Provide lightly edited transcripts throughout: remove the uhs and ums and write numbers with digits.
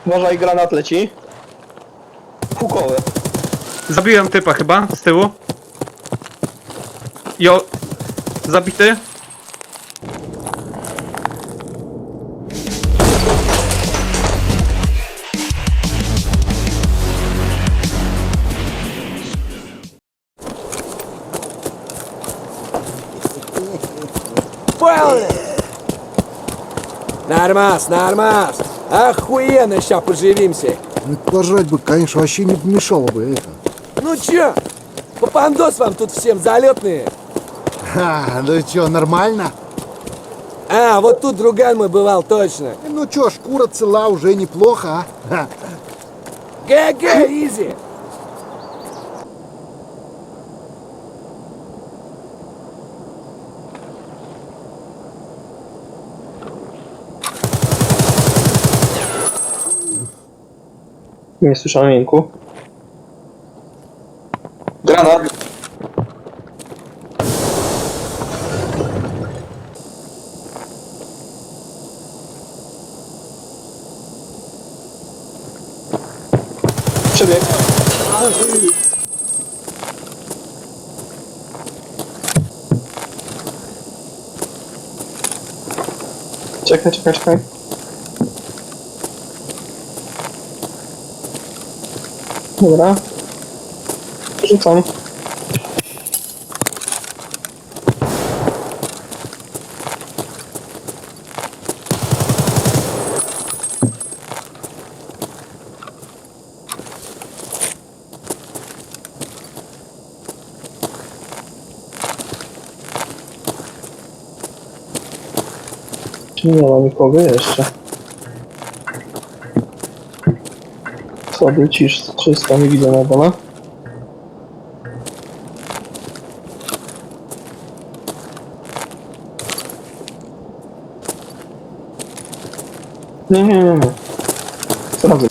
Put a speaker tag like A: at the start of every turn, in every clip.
A: Uważaj, granat leci. Hukowy.
B: Zabiłem typa chyba, z tyłu. Jo. Zabity.
C: Нормас, нормас. Охуенно сейчас поживимся.
D: Ну, пожрать бы, конечно, вообще не помешало бы это.
C: Ну чё? Попандос вам тут всем залетные.
D: Ха, ну чё, нормально?
C: А, вот тут друган мой бывал точно.
D: Ну чё, шкура цела, уже неплохо, а? Ха.
C: ГГ, изи.
A: Nie słyszałem jęku. Granat. Przebieg. Czekaj, czekaj, czekaj. Dobra. Rzucam. Czy nie ma nikogo jeszcze? Słaby cisz, czysto, nie widzę na dole. Nie. Sprawdzę.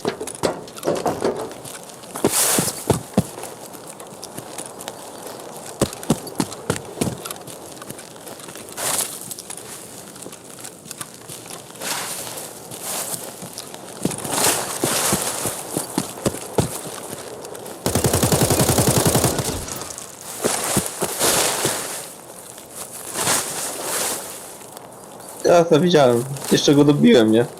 A: Ja to widziałem. Jeszcze go dobiłem, nie?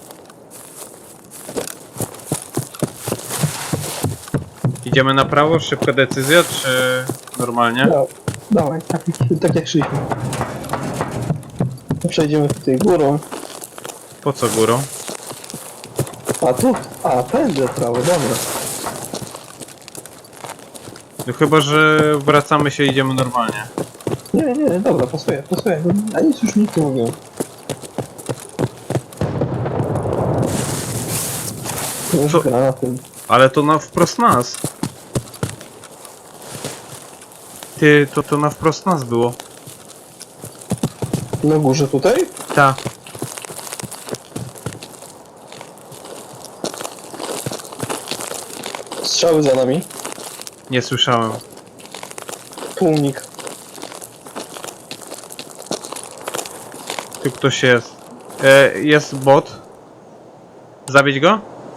B: Idziemy na prawo, szybka decyzja, czy normalnie?
A: No, dawaj, tak jak szliśmy. Przejdziemy tutaj górą.
B: Po co górą?
A: A tu? A, pędzę prawo, dobra.
B: No chyba, że wracamy się i idziemy normalnie.
A: Nie, dobra, pasuje. A nic już nikt nie mówią. Już
B: Co?
A: granatem.
B: Ale to na wprost nas. Ty, to na wprost nas było.
A: Na górze tutaj?
B: Ta.
A: Strzały za nami.
B: Nie słyszałem.
A: Tłumnik.
B: Tu ktoś jest. Jest bot. Zabić go?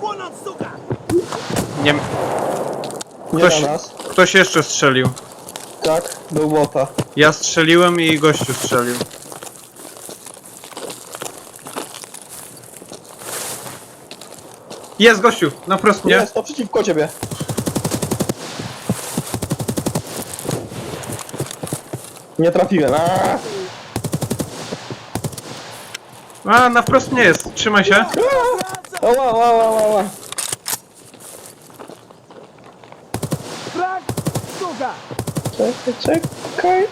B: Nie.
A: Nie
B: Ktoś,
A: na nas.
B: ktoś jeszcze strzelił.
A: Tak, był bota.
B: Ja strzeliłem i gościu strzelił. Jest gościu, na wprost mnie.
A: Jest, naprzeciwko ciebie. Nie trafiłem. Aaaa!
B: A, na wprost mnie jest, trzymaj się.
A: Ała. Czekaj.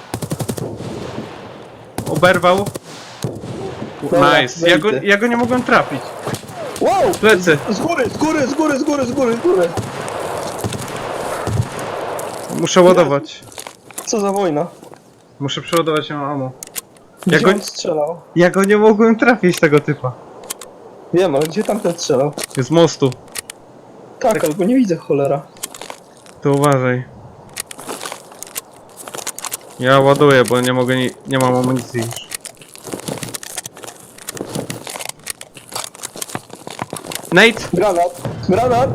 B: Oberwał.
A: Dobra,
B: Nice.
A: wejdę.
B: Ja go nie mogłem trafić.
A: Wow!
B: Plecy.
A: Z góry.
B: Muszę ładować.
A: Co za wojna?
B: Muszę przeładować ją ammo.
A: Gdzie on strzelał?
B: Ja go nie mogłem trafić, tego typa.
A: Wiem, ale gdzie tamten strzelał?
B: Z mostu.
A: Tak, albo nie widzę, cholera.
B: To uważaj. Ja ładuję, bo nie mogę, nie mam amunicji już. Nate!
A: Granat! Granat!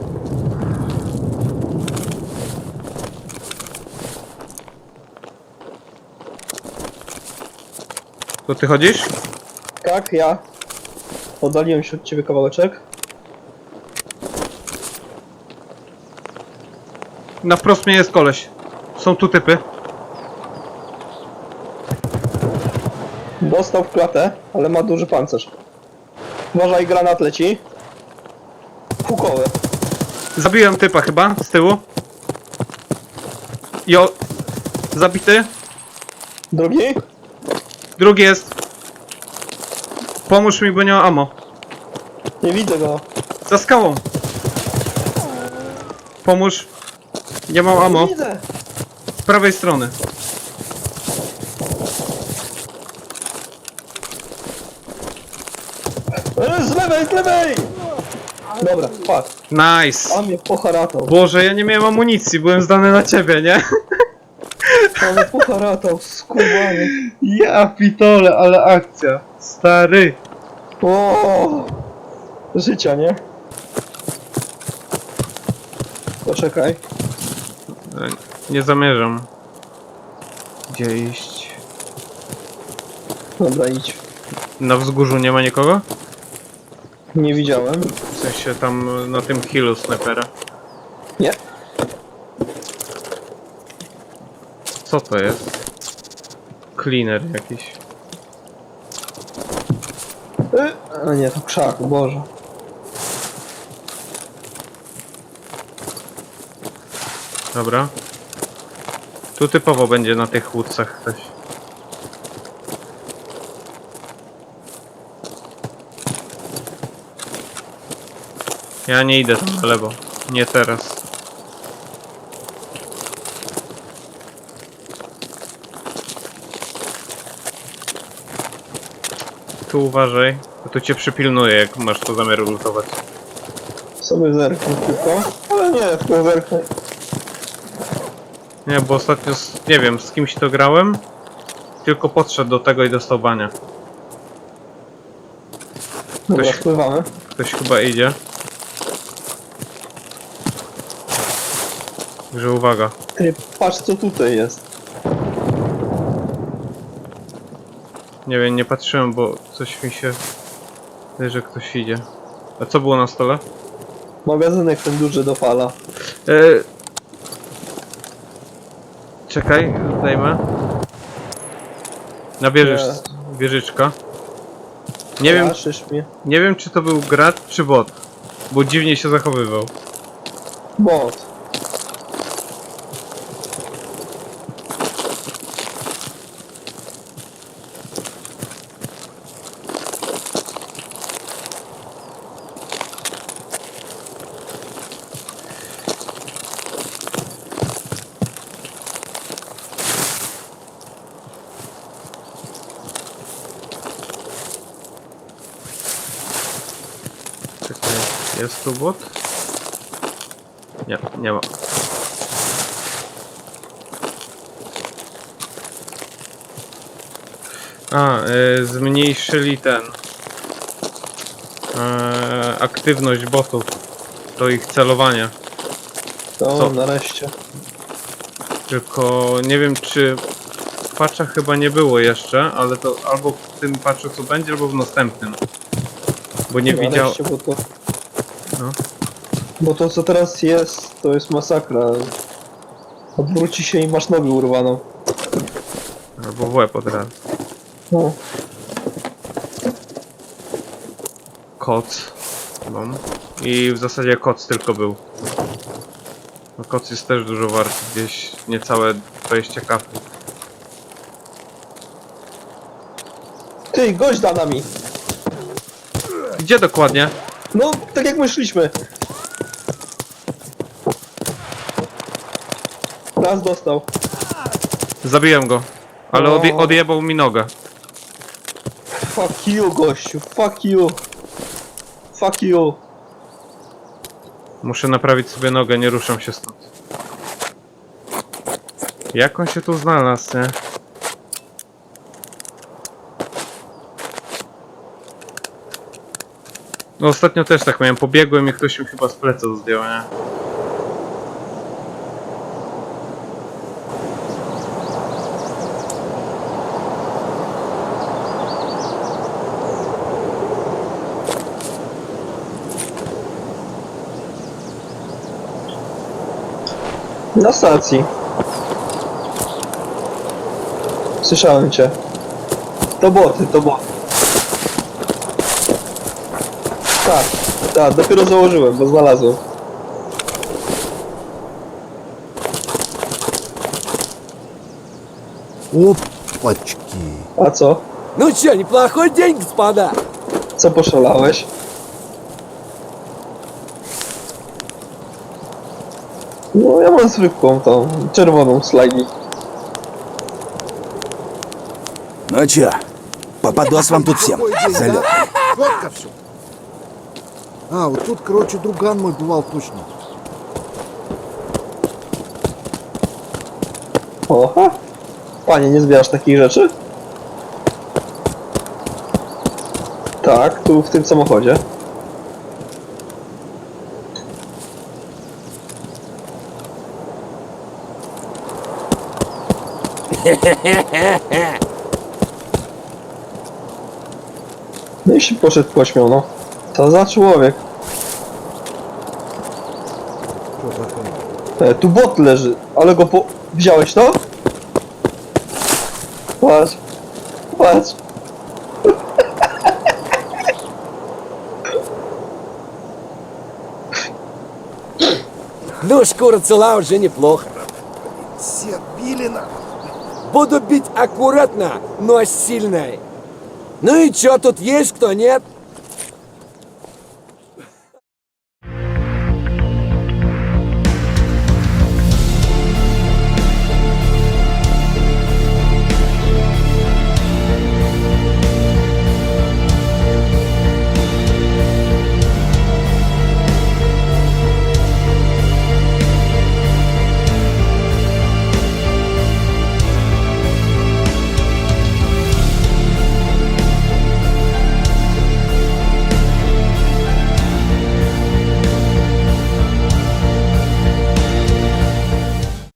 B: Tu ty chodzisz?
A: Tak, ja. Oddaliłem się od ciebie kawałeczek.
B: Na wprost mnie jest koleś. Są tu typy.
A: Dostał w klatę, ale ma duży pancerz. Uważaj, granat leci. Hukowy.
B: Zabiłem typa chyba, z tyłu. Jo. Zabity.
A: Drugi?
B: Drugi jest. Pomóż mi, bo nie ma ammo.
A: Nie widzę go.
B: Za skałą. Pomóż. Nie mam
A: Nie
B: ammo.
A: widzę.
B: Z prawej strony.
A: Z lewej, z lewej! Dobra, patrz.
B: Nice.
A: A mnie poharatał.
B: Boże, ja nie miałem amunicji, byłem zdany na ciebie, nie?
A: A mnie poharatał, skubany.
B: Ja pitole, ale akcja. Stary.
A: O, życia, nie? Poczekaj.
B: Nie zamierzam. Gdzie iść?
A: Dobra, idź.
B: Na wzgórzu nie ma nikogo?
A: Nie widziałem.
B: W sensie tam na tym hillu snajpera.
A: Nie.
B: Co to jest? Cleaner jakiś.
A: A nie, to krzak, Boże.
B: Dobra. Tu typowo będzie na tych łódcach ktoś. Ja nie idę tam na lewo. Nie teraz. Tu uważaj, bo tu cię przypilnuję, jak masz to zamiar lutować.
A: Sobie zerknę tylko. Ale nie, tylko zerknę.
B: Nie, bo ostatnio, nie wiem, z kimś to grałem. Tylko podszedł do tego i dostał bania.
A: Dobra,
B: Ktoś-
A: spływamy.
B: Ktoś chyba idzie. Także uwaga.
A: Ty, patrz co tutaj jest.
B: Nie wiem, nie patrzyłem, bo coś mi się... wydaje, że ktoś idzie. A co było na stole?
A: Magazynek ten duży do fala.
B: Czekaj, zdejmę. Na wieżyczka. Nie wiem,
A: Szysz mnie.
B: nie wiem czy to był gracz czy bot. Bo dziwnie się zachowywał.
A: Bot.
B: Czekaj, jest tu bot? Nie, nie ma. A, zmniejszyli ten... aktywność botów. Do ich celowania.
A: To
B: Co?
A: nareszcie.
B: Tylko nie wiem czy... W patchach chyba nie było jeszcze, ale to albo w tym patchu co będzie, albo w następnym. Bo nie widział...
A: Nareszcie, bo to...
B: No.
A: Bo to co teraz jest, to jest masakra. Odwróci się i masz nogę urwaną.
B: Albo w łeb od razu.
A: No.
B: Koc. Mam. I w zasadzie koc tylko był. No koc jest też dużo warty, gdzieś niecałe 20 kapów.
A: Ty, gość za nami!
B: Gdzie dokładnie?
A: No, tak jak my szliśmy. Raz dostał.
B: Zabiłem go. Ale
A: O.
B: odjebał mi nogę.
A: Fuck you, gościu, fuck you. Fuck you.
B: Muszę naprawić sobie nogę, nie ruszam się stąd. Jak on się tu znalazł, nie? No ostatnio też tak miałem, pobiegłem i ktoś mi chyba z pleców zdjął, nie?
A: Na stacji. Słyszałem cię. To boty, to boty. Tak, tak, dopiero założyłem, bo znalazłem.
D: Опачки.
A: A co?
C: Ну чё, неплохой день, господа.
A: Co poszalałeś? No ja mam zwykłą tą, czerwoną slagi.
E: Ну чё, попадос вам тут всем.
D: Какой день,
E: Залет.
D: да? Четко все. А, вот тут, короче, друган мой бывал точно.
A: Oha! Panie, nie zbierasz takich rzeczy? Tak, tu w tym samochodzie. No i się poszedł pośmiał, no. Co za człowiek? Tu bot leży, ale go po... Wziąłeś to? Patrz. Patrz.
C: Ну, шкура цела уже неплохо.
D: Все били на...
C: Буду бить аккуратно, но сильно. Ну и чё, тут есть кто, нет?